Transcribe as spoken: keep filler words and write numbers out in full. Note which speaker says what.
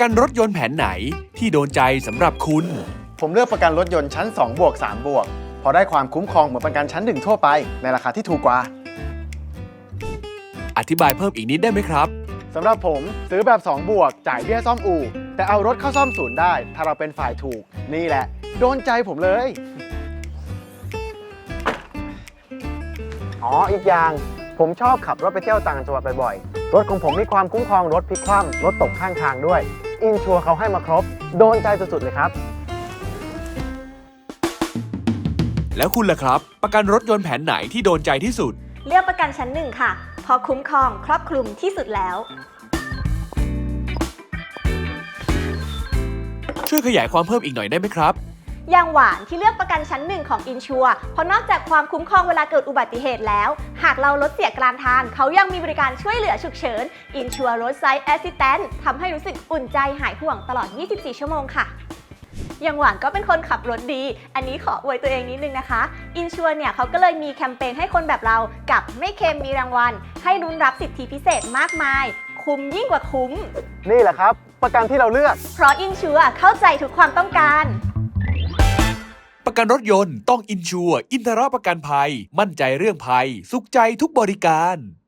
Speaker 1: กันรถยนต์แผนไหนที่โดนใจสำหรับคุณ
Speaker 2: ผมเลือกประกันรถยนต์ชั้นสองบวกสามบวกพอได้ความคุ้มครองเหมือนประกันชั้นหนึ่งทั่วไปในราคาที่ถูกกว่า
Speaker 1: อธิบายเพิ่มอีกนิดได้ไหมครับ
Speaker 2: สำหรับผมซื้อแบบสองบวกจ่ายเบี้ยซ่อมอู่แต่เอารถเข้าซ่อมศูนย์ได้ถ้าเราเป็นฝ่ายถูกนี่แหละโดนใจผมเลยอ๋ออีกอย่างผมชอบขับรถไปเที่ยวต่างจังหวัดบ่อยๆรถของผมมีความคุ้มครองรถพลิกคว่ำรถตกข้างทางด้วยอินชัวร์เขาให้มาครบโดนใจสุดๆเลยครับ
Speaker 1: แล้วคุณล่ะครับประกันรถยนต์แผนไหนที่โดนใจที่สุด
Speaker 3: เลือกประกันชั้นหนึ่งค่ะเพราะคุ้มครองครอบคลุมที่สุดแล้ว
Speaker 1: ช่วยขยายความเพิ่มอีกหน่อยได้ไหมครับ
Speaker 3: อย่างหวานที่เลือกประกันชั้นหนึ่งของอินชัวร์เพราะนอกจากความคุ้มครองเวลาเกิดอุบัติเหตุแล้วหากเรารถเสียกลางทางเขายังมีบริการช่วยเหลือฉุกเฉินอินชัวร์รถไซส์แอสซิสแตนต์ทำให้รู้สึกอุ่นใจหายห่วงตลอดยี่สิบสี่ชั่วโมงค่ะอย่างหวานก็เป็นคนขับรถดีอันนี้ขออวยตัวเองนิดนึงนะคะอินชัวร์เนี่ยเขาก็เลยมีแคมเปญให้คนแบบเรากับไม่เค็มมีรางวัลให้ลุ้นรับสิทธิพิเศษมากมายคุ้มยิ่งกว่าคุ้ม
Speaker 2: นี่แหละครับประกันที่เราเลือก
Speaker 3: เพราะอินชัวร์เข้าใจทุกความต้องการ
Speaker 1: ประกันรถยนต์ต้องอินชัวร์อินทรประกันภัยมั่นใจเรื่องภัยสุขใจทุกบริการ